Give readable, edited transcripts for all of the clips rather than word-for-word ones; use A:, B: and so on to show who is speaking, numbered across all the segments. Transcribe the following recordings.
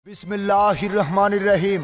A: বিসমিল্লাহির রহমানির রহিম।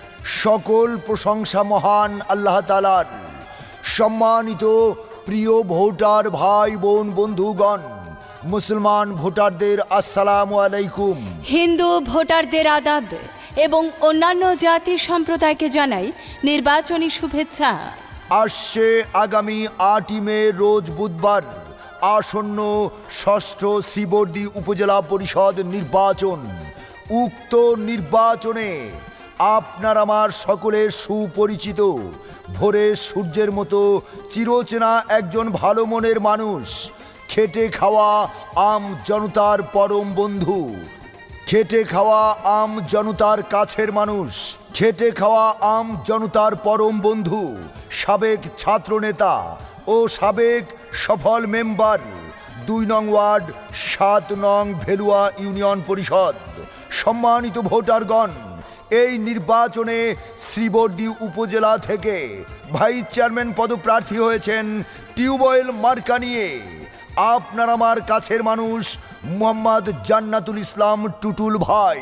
A: সকল প্রশংসা মহান আল্লাহ তাআলার। সম্মানিত প্রিয় ভোটার ভাই বোন বন্ধুগণ, মুসলমান ভোটারদের আসসালামু আলাইকুম।
B: হিন্দু ভোটারদের আদাব এবং অন্যান্য জাতি সম্প্রদায়কে জানাই নির্বাচনী শুভেচ্ছা।
A: আসছে আগামী 8ই মে রোজ বুধবার আসন্ন ষষ্ঠ শ্রীবর্দী উপজেলা পরিষদ নির্বাচন। উক্ত নির্বাচনে আপনার আমার সকলের সুপরিচিত ভোরের সূর্যের মতো চিরচেনা একজন ভালো মনের মানুষ, খেটে খাওয়া আম জনতার পরম বন্ধু, খেটে খাওয়া আম জনতার কাছের মানুষ, খেটে খাওয়া আম জনতার পরম বন্ধু, সাবেক ছাত্রনেতা ও সাবেক সফল মেম্বার 2 নং ওয়ার্ড 7 নং ভেলুয়া ইউনিয়ন পরিষদ। সম্মানিত ভোটারগণ, এই নির্বাচনে শ্রীবর্দী উপজেলা থেকে ভাইস চেয়ারম্যান পদপ্রার্থী হয়েছেন টিউবওয়েল মার্কা নিয়ে আপনার আমার কাছের মানুষ মোহাম্মদ জান্নাতুল ইসলাম টুটুল ভাই।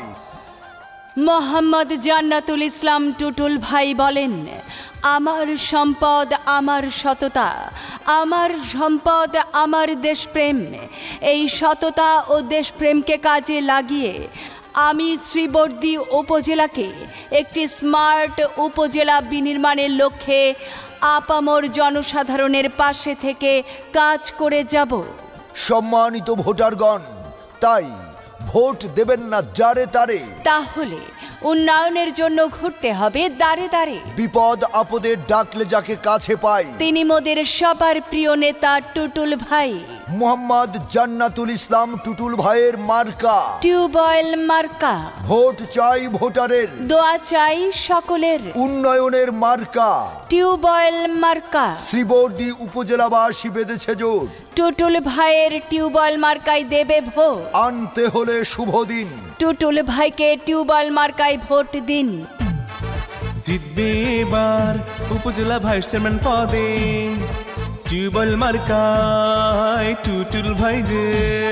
B: মোহাম্মদ জান্নাতুল ইসলাম টুটুল ভাই বলেন, আমার সম্পদ আমার সততা, আমার সম্পদ আমার দেশপ্রেম। এই সততা ও দেশপ্রেমকে কাজে লাগিয়ে আমি শ্রীবর্দী উপজেলাকে একটি স্মার্ট উপজেলা বিনির্মাণের লক্ষ্যে আপামর জনসাধারণের পাশে থেকে কাজ করে যাব।
A: সম্মানিত ভোটারগণ, তাই ভোট দেবেন না যারে তারে,
B: তাহলে উন্নয়নের জন্য ঘুরতে হবে দাঁড়ে দাঁড়ে।
A: বিপদ আপদে ডাকলে যাকে কাছে পাই
B: তিনি মোদের সবার প্রিয় নেতা টুটুল ভাই।
A: মোহাম্মদ জান্নাতুল ইসলাম টুটুল ভাইয়ের মার্কা
B: টিউবওয়েল মার্কা।
A: ভোট চাই ভোটারের,
B: দোয়া চাই সকলের।
A: উন্নয়নের মার্কা
B: টিউবওয়েল মার্কা।
A: শ্রীবর্দী উপজেলাবাসী বেঁধেছে জোট,
B: টুটুল ভাইয়ের টিউবওয়েল মার্কায় দেবে ভোট।
A: আনতে হলে শুভ দিন,
B: টুটুল ভাইকে টিউবওয়েল মার্কায় ভোট দিন।
C: জিতবে এবার উপজেলা ভাইস চেয়ারম্যান পদে টিউবওয়েল মার্কায় টুটুল ভাই যে।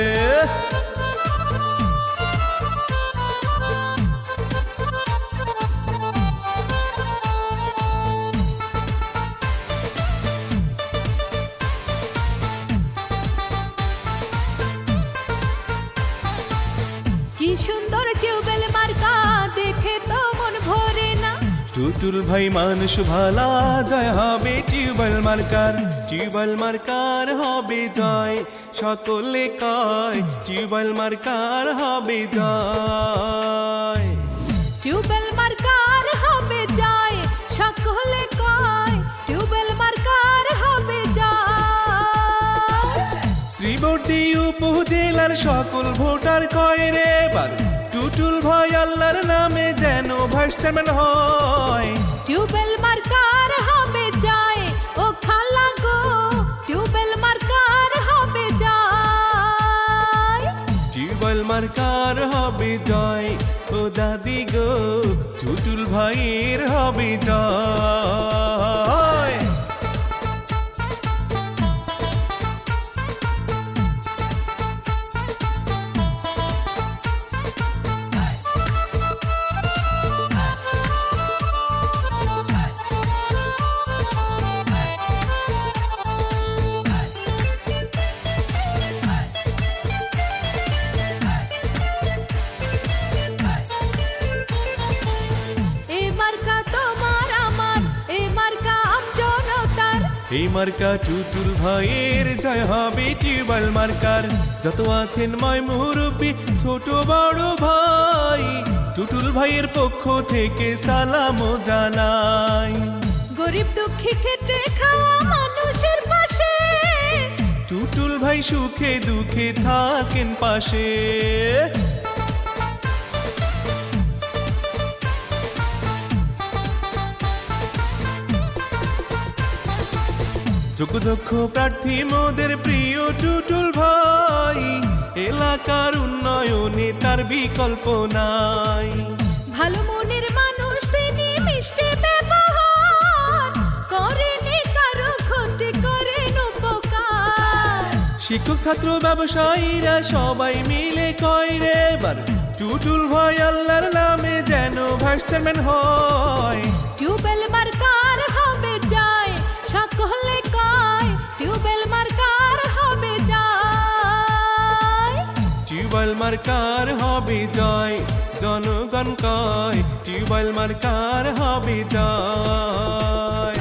B: কি সুন্দর টিউবওয়েল মার্কা, দেখে তো মন ভরে না।
C: টুটুল ভাই মানুষ ভালা, জয় হবে টিউবওয়েল মার্কার, টিউবওয়েল মার্কার হবে জয়। সকলে কয় টিউবওয়েল মার্কার হবে জয়।
B: টিউবওয়েল মার্কার হবে জয়, সকলে কয় টিউবওয়েল মার্কার হবে জয়।
C: শ্রীবর্দী উপজেলার সকল ভোটার কয় রে এবার টুটুল ভাই আল্লাহর নামে যেন ভাইস চেয়ারম্যান হয়।
B: টিউবওয়েল মার্কার হবে জয়, ও খালা গো টিউবওয়েল মার্কার হবে জয়।
C: টিউবওয়েল মার্কার হবে জয়, ও দাদি গো টুটুল ভাইয়ের হবে জয়।
B: এই মার্কা তোমার আমার, এই মার্কা আমজনতার।
C: এই মার্কা টুটুল ভাইয়ের জয় হবে টিউবওয়েল মার্কার। যত আছেন ময় মুরব্বী ছোট বড় ভাই, টুটুল ভাইয়ের পক্ষ থেকে সালাম জানাই।
B: গরিব দুঃখী খেটে খাওয়া মানুষের পাশে,
C: টুটুল ভাই সুখে দুঃখে থাকেন পাশে। যোগ্য প্রার্থী মোদের প্রিয় টুটুল ভাই, এলাকার উন্নয়নে তার বিকল্প নাই।
B: ভালো মনের মানুষ তিনি, মিষ্টি ব্যবহার করেনি কারো ক্ষতি, করেন উপকার।
C: শিক্ষক ছাত্র ব্যবসায়ীরা সবাই মিলে কয় রে এবার টুটুল ভাই আল্লাহর নামে চেয়ারম্যান হয়।
D: টিউবওয়েল মার্কার হবে জয়, সকলে কয় টিউবওয়েল মার্কার হবে জয়।
C: টিউবওয়েল মার্কার হবে জয়, জনগণ কয় টিউবওয়েল মার্কার হবে জয়।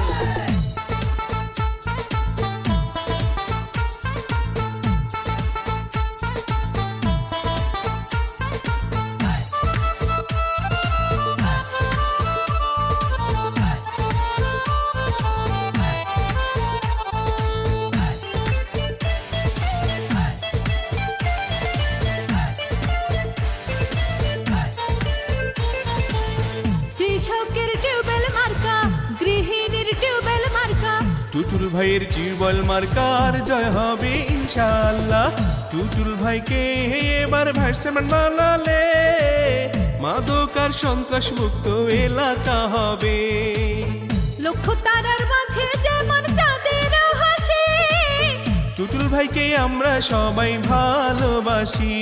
D: কৃষকের টিউবওয়েল মার্কা, গৃহিণীর টিউবওয়েল মার্কা,
C: টুটুল ভাইয়ের টিউবওয়েল মার্কার জয় হবে ইনশাআল্লাহ। টুটুল ভাইকে এবার ভাইস চেয়ারম্যান বানালে মাদক আর সন্ত্রাস মুক্ত এলাকা হবে।
D: লক্ষ্য তারার মাঝে যেমন চাঁদের হাসি,
C: টুটুল ভাইকে আমরা সবাই ভালোবাসি।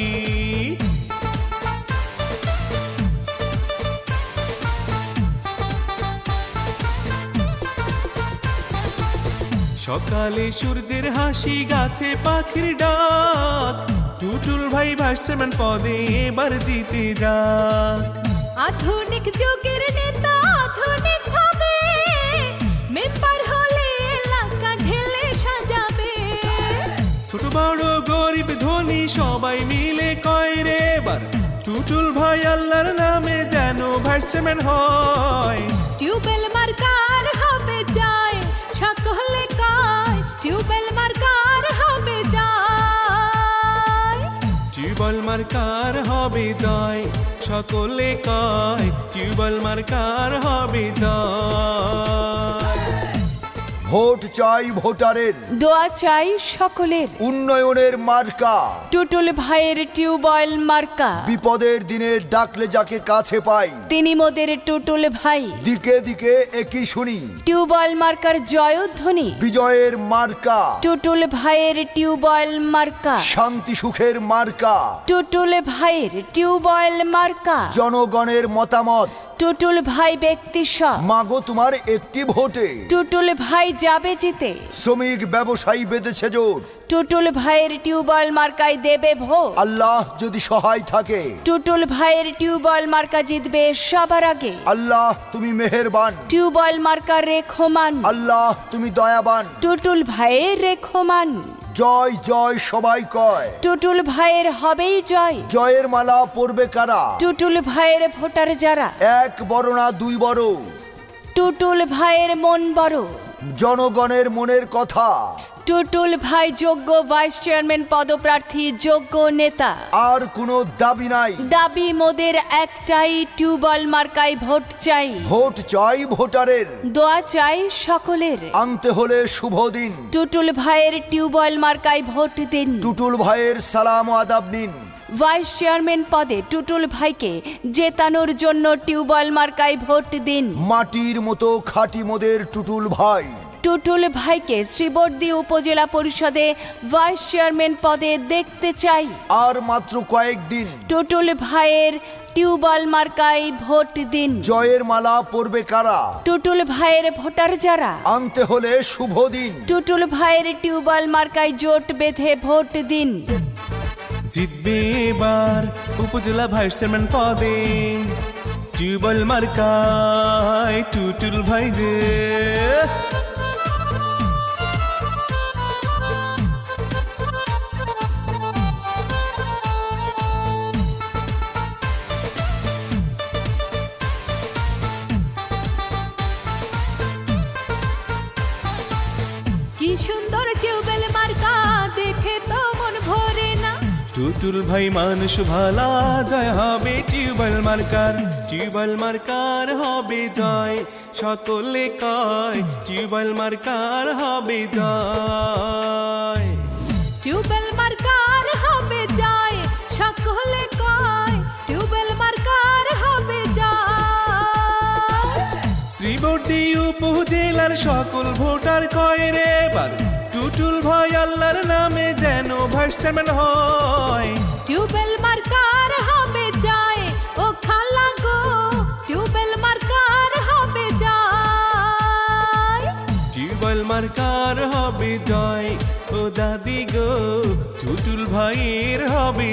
C: সকালে সূর্যের হাসি, গাছে পাখির ডাক, টুটুল ভাই ভাইস চেয়ারম্যান পদে এবার জিতে যাক।
D: আধুনিক যুগের নেতা আধুনিক ভাবে, মেম্বার হলে এলাকা ঢেলে সাজাবে।
C: ছোট বড় গরিব ধনী সবাই মিলে কয় রে এবার টুটুল ভাই আল্লাহর নামে যেন ভাইস চেয়ারম্যান হয়।
D: টিউবওয়েল মার্কার হবে জয়, সকলে কয় টিউবওয়েল মার্কার হবে জয়।
C: টিউবওয়েল মার্কার হবে জয়, সকলে কয় টিউবওয়েল মার্কার হবে জয়।
A: ভোট চাই ভোটারের,
B: দোয়া চাই সকলের,
A: উন্নয়নের মার্কা,
B: টুটুল ভাইয়ের টিউবওয়েল মার্কা।
A: বিপদের দিনে ডাকলে যাকে কাছে পাই,
B: তিনি মোদের টুটুল ভাই,
A: দিকে দিকে একই শুনি
B: টিউবওয়েল মার্কার জয়ধ্বনি।
A: বিজয়ের মার্কা,
B: টুটুল ভাইয়ের টিউবওয়েল মার্কা,
A: শান্তি সুখের মার্কা,
B: টুটুল ভাইয়ের টিউবওয়েল মার্কা।
A: জনগণের মতামত
B: টুটুল ভাই ব্যক্তি সব,
A: মাগো তোমার একটি ভোটে,
B: টুটুল ভাই যাবে জিতে।
A: শ্রমিক ব্যবসায়ী বেঁধেছে জোর,
B: টুটুল ভাইয়ের টিউবওয়েল মার্কায় দেবে ভোট।
A: আল্লাহ যদি সহায় থাকে,
B: টুটুল ভাইয়ের টিউবওয়েল মার্কা জিতবে সবার আগে।
A: আল্লাহ তুমি মেহেরবান,
B: টিউবওয়েল মার্কার রেখমান,
A: আল্লাহ তুমি দয়াবান।
B: টুটুল ভাইয়ের রেখমান,
A: জয় জয় সবাই কয়,
B: টুটুল ভাইয়ের হবেই জয়।
A: জয়ের মালা পরবে কারা,
B: টুটুল ভাইয়ের ভোটার যারা,
A: এক বড় না দুই বড়,
B: টুটুল ভাইয়ের মন বড়।
A: জনগণের মনের কথা,
B: টুটুল ভাই যোগ্য ভাইস চেয়ারম্যান পদপ্রার্থী, যোগ্য নেতা।
A: আর কোনো দাবি নাই,
B: দাবি মোদের একটাই, টিউবওয়েল মার্কায় ভোট চাই।
A: ভোট চাই ভোটারের,
B: দোয়া চাই সকলের,
A: আনতে হলে শুভ দিন,
B: টুটুল ভাইয়ের টিউবওয়েল মার্কায় ভোট দিন।
A: টুটুল ভাইয়ের সালাম ও আদাব নিন।
B: ভাইস চেয়ারম্যান পদে টুটুল ভাইকে জেতানোর জন্য টিউবওয়েল মার্কায় ভোট দিন।
A: মাটির মতো খাঁটি মোদের টুটুল ভাই,
B: টুটুল ভাইকে শ্রীবর্দী উপজেলা পরিষদে ভাইস চেয়ারম্যান পদে দেখতে চাই।
A: আর মাত্র কয়েকদিন,
B: টুটুল ভাইয়ের টিউবওয়েল মার্কায় ভোট দিন।
A: জয়ের মালা পরবে কারা,
B: টুটুল ভাইয়ের ভোটার যারা,
A: আনতে হলে শুভ দিন।
B: টুটুল ভাইয়ের টিউবওয়েল মার্কায় জোট বেঁধে ভোট দিন।
C: জিতবে এবার উপজেলা ভাইস চেয়ারম্যান পদে টিউবওয়েল মার্কায় টুটুল ভাই রে।
D: কি সুন্দর টিউবওয়েল মার্কা, দেখে তো মন ভরে না।
C: টুটুল ভাই মানুষ ভালা, জয় হবে টিউবওয়েল মার্কার। টিউবওয়েল মার্কার হবে জয়, সকলে কয় টিউবওয়েল মার্কার হবে জয়।
D: টিউবওয়েল মার্কার হবে জয়, সকলে কয় টিউবওয়েল মার্কার হবে জয়।
C: শ্রীবর্দী উপজেলার সকল ভোটার কয় রে এবার টুটুল ভাই আল্লাহর নামে যেন ভাইস চেয়ারম্যান হয়।
D: টিউবওয়েল মার্কার হবে জয়, ও খালা গো টিউবওয়েল
C: মার্কার হবে জয়, ও দাদি গো টুটুল ভাইয়ের হবে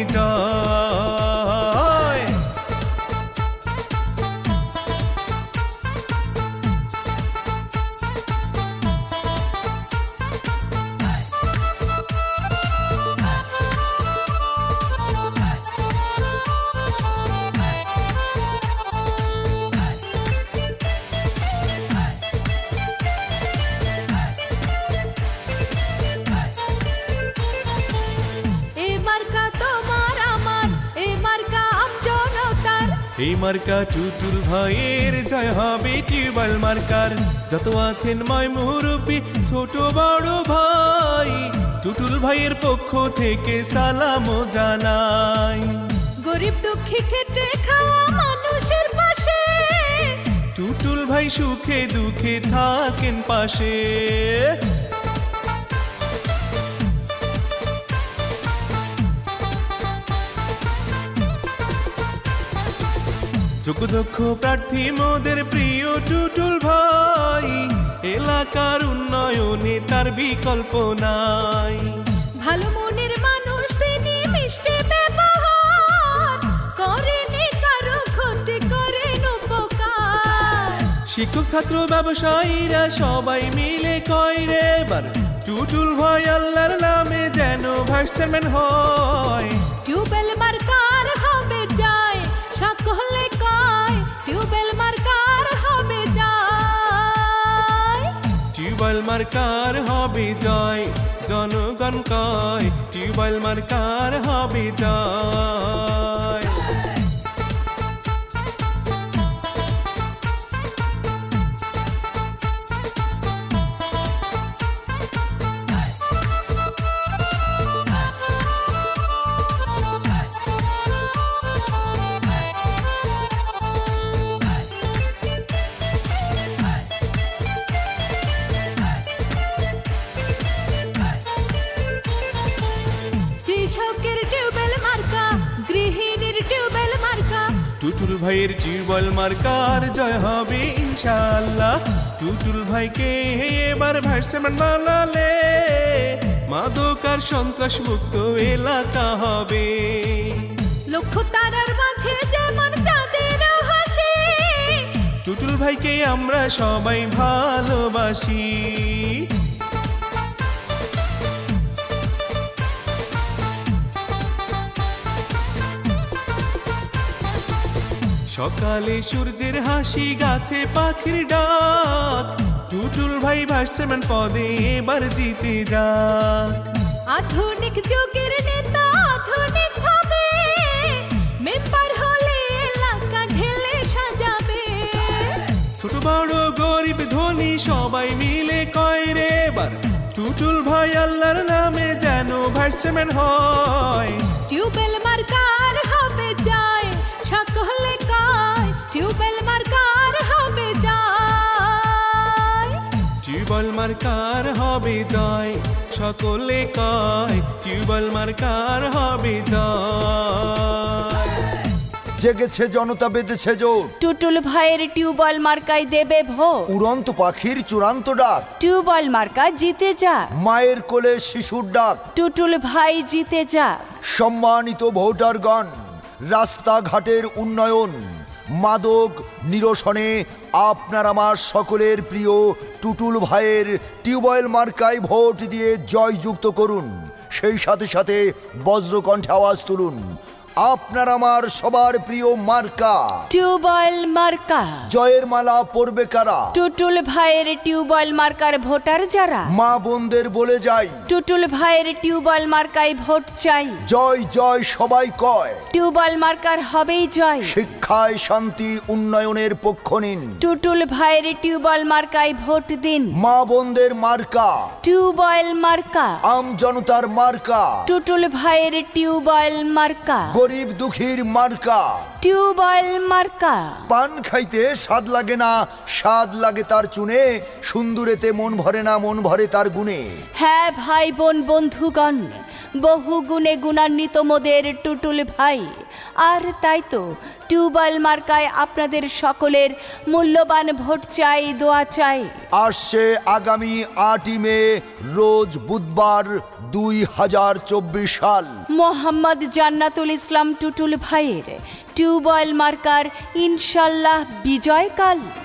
C: জয়।
D: এই মার্কা তোমার আমার, এই মার্কা আমজনতার।
C: এই মার্কা টুটুল ভাইয়ের জয় হবে টিউবওয়েল মার্কার। যত আছেন ময় মুরব্বী ছোট বড় ভাই, টুটুল ভাইয়ের পক্ষ থেকে সালাম জানাই।
D: গরিব দুঃখী খেটে খাওয়া মানুষের পাশে,
C: টুটুল ভাই সুখে দুঃখে থাকেন পাশে। যোগ্যদক্ষ প্রার্থী মোদের প্রিয় টুটুল ভাই, এলাকার উন্নয়নে তার বিকল্প নাই।
D: ভালো মনের মানুষ তিনি, মিষ্টি ব্যবহার, করেনি কারো ক্ষতি, করেন উপকার।
C: শিক্ষক ছাত্র ব্যবসায়ীরা সবাই মিলে কয় রে এবার, টুটুল ভাই আল্লাহর নামে যেন ভাইস চেয়ারম্যান হয়।
D: টিউবওয়েল মার্কার হবে জয়, সকলে কয় টিউবওয়েল মার্কার হবে জয়।
C: টিউবওয়েল মার্কার হবে জয়, জনগণ কয় টিউবওয়েল মার্কার হবে জয়।
D: কৃষকের টিউবওয়েল মার্কা, গৃহিণীর টিউবওয়েল মার্কা।
C: টুটুল ভাইয়ের টিউবওয়েল মার্কার জয় হবে ইনশাআল্লাহ। টুটুল ভাইকে এবার ভাইস চেয়ারম্যান বানালে মাদক আর সন্ত্রাস মুক্ত এলাকা হবে।
D: লক্ষ্য তারার মাঝে যেমন চাঁদের হাসি,
C: টুটুল ভাইকে আমরা সবাই ভালোবাসি। সকালে সূর্যের হাসি, গাছে পাখির ডাক, টুটুল ভাই ভাইস চেয়ারম্যান পদে এবার জিতে যাক।
D: আধুনিক যুগের নেতা আধুনিক ভাবে, মেম্বার হলে এলাকা ঢেলে সাজাবে।
C: ছোট বড় গরিব ধনী সবাই মিলে কয় রে এবার, টুটুল ভাই আল্লাহর নামে যেন ভাইস চেয়ারম্যান হয়।
D: টিউবওয়েল মার্কার হবে জয়, সকলে কয় টিউবওয়েল মার্কার হবে জয়।
C: টিউবওয়েল মার্কার হবে জয়, সকলে কয় টিউবওয়েল মার্কার হবে জয়।
A: জেগেছে জনতা, বেঁধেছে জোর,
B: টুটুল ভাইয়ের টিউবওয়েল মার্কায় দেবে ভোট।
A: উড়ন্ত পাখির চূড়ান্ত ডাক,
B: টিউবওয়েল মার্কা জিতে যা,
A: মায়ের কোলে শিশুর ডাক।
B: টুটুল ভাই জিতে যা।
A: সম্মানিত ভোটারগণ, রাস্তাঘাটের উন্নয়ন, মাদক নিরসনে আপনার আমার সকলের প্রিয় টুটুল ভাইয়ের টিউবওয়েল মার্কায় ভোট দিয়ে জয়যুক্ত করুন। সেই সাথে সাথে বজ্রকণ্ঠে আওয়াজ তুলুন, আপনার আমার সবার প্রিয় মার্কা
B: টিউবওয়েল মার্কা।
A: জয়ের মালা পরবে কারা?
B: টুটুল ভাইয়ের টিউবওয়েল মার্কার ভোটার যারা,
A: মা বোনদের বলে যাই,
B: টুটুল ভাইয়ের টিউবওয়েল মার্কায় ভোট চাই।
A: জয় জয় সবাই কয়,
B: টিউবওয়েল মার্কার হবেই জয়।
A: শিক্ষায় শান্তি উন্নয়নের পক্ষ নিন,
B: টুটুল ভাইয়ের টিউবওয়েল মার্কায় ভোট দিন।
A: মা বোনদের মার্কা,
B: টিউবওয়েল মার্কা।
A: আম জনতার মার্কা,
B: টুটুল ভাইয়ের টিউবওয়েল মার্কা।
A: গরিব দুঃখীর মার্কা,
B: টিউবওয়েল মার্কা।
A: পান খাইতে স্বাদ লাগে না, স্বাদ লাগে তার চুনে, সুন্দরেতে মন ভরে না, মন ভরে তার গুণে।
B: হ্যাঁ ভাই বোন বন্ধুগণ, বহু গুণে গুণান্বিত মোদের টুটুল ভাই। আর তাই তো টিউবওয়েল মার্কায় আপনাদের সকলের মূল্যবান ভোট চাই, দোয়া চাই।
A: আসছে আগামী 8ই মে রোজ বুধবার 2024 সাল।
B: মোহাম্মদ জান্নাতুল ইসলাম টুটুল ভাইয়ের টিউবওয়েল মার্কার ইনশাল্লাহ বিজয়কাল।